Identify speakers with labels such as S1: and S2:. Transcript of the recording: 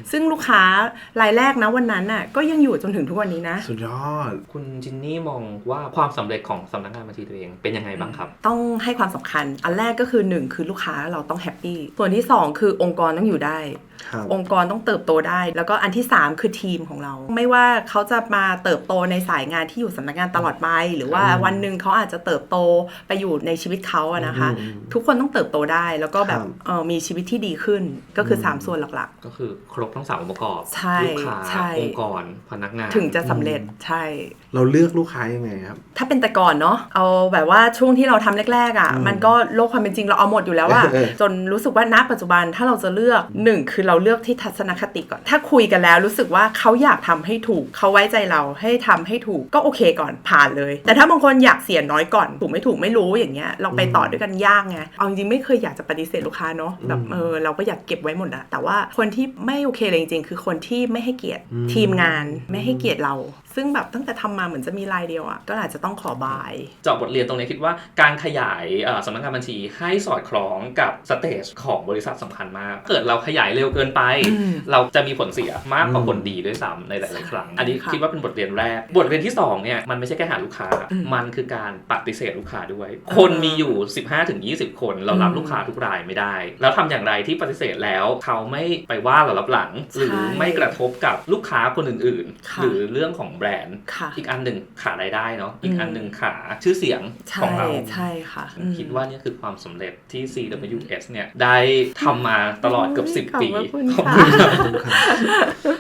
S1: ซึ่งลูกค้ารายแรกนะวันนั้นน่ะก็ยังอยู่จนถึงทุกวันนี้นะ
S2: สุดยอด
S3: คุณจินนี่มองว่าความสำเร็จของสำนักงานบัญชีตัวเองเป็นยังไงบ้างครับ
S1: ต้องให้ความสำคัญอันแรกก็คือ1คือลูกค้าเราต้องแฮปปี้ส่วนที่2คือองค์กรต้องอยู่ได้องค์กรต้องเติบโตได้แล้วก็อันที่3คือทีมของเราไม่ว่าเขาจะมาเติบโตในสายงานที่อยู่สำนักงานตลอดไปหรือว่าวันหนึ่งเขาอาจจะเติบโตไปอยู่ในชีวิตเขาอะนะคะทุกคนต้องเติบโตได้แล้วก็แบบมีชีวิตที่ดีขึ้นก็คือ3ส่วนหลัก
S3: ๆก็คือครบทั้ง3องค์ประกอบลูกค้าองค์กรพนักงาน
S1: ถึงจะสำเร็จใช่
S2: เราเลือกลูกค้ายังไงครับ
S1: ถ้าเป็นแต่ก่อนเนาะเอาแบบว่าช่วงที่เราทำแรกๆอ่ะมันก็โลกความเป็นจริงเราเอาหมดอยู่แล้วอะจนรู้สึกว่าณปัจจุบันถ้าเราจะเลือก1คือเราเลือกที่ทัศนคติก่อนถ้าคุยกันแล้วรู้สึกว่าเขาอยากทำให้ถูกเขาไว้ใจเราให้ทำให้ถูกก็โอเคก่อนผ่านเลยแต่ถ้าบางคนอยากเสียน้อยก่อนถูกไม่รู้อย่างเงี้ยเราไปต่อด้วยกันยากไงเอาจริงๆไม่เคยอยากจะปฏิเสธลูกค้าเนาะแบบเราก็อยากเก็บไว้หมดอะแต่ว่าคนที่ไม่โอเคเลยจริงๆคือคนที่ไม่ให้เกียรติทีมงานไม่ให้เกียรติเราซึ่งแบบตั้งแต่ทำมาเหมือนจะมีรายเดียวอะก็อาจจะต้องขอบาย
S3: เจาะบทเรียนตรงนี้คิดว่าการขยายสำนักงานบัญชีให้สอดคล้องกับสเตจของบริษัทสำคัญมากเกิดเราขยายเร็วเกินไปเราจะมีผลเสียมากกว่าผลดีด้วยซ้ำในหลายๆครั้งอันนี้คิดว่าเป็นบทเรียนแรกบทเรียนที่2เนี่ยมันไม่ใช่แค่หาลูกค้ามันคือการปฏิเสธลูกค้าด้วยคนมีอยู่ 15-20 คนเรารับลูกค้าทุกรายไม่ได้แล้วทำอย่างไรที่ปฏิเสธแล้วเขาไม่ไปว่าเรารับหลังหรือไม่กระทบกับลูกค้าคนอื่นๆหรือเรื่องของแบรนด์อีกอันหนึ่งขารายได้เนาะอีกอันหนึ่งขาชื่อเสียงของเรา
S1: ใช่ค่ะ
S3: คิดว่านี่คือความสำเร็จที่ CWS เนี่ยได้ทำมาตลอดเกือบ10 ปี
S1: ขอบคุณค่ะ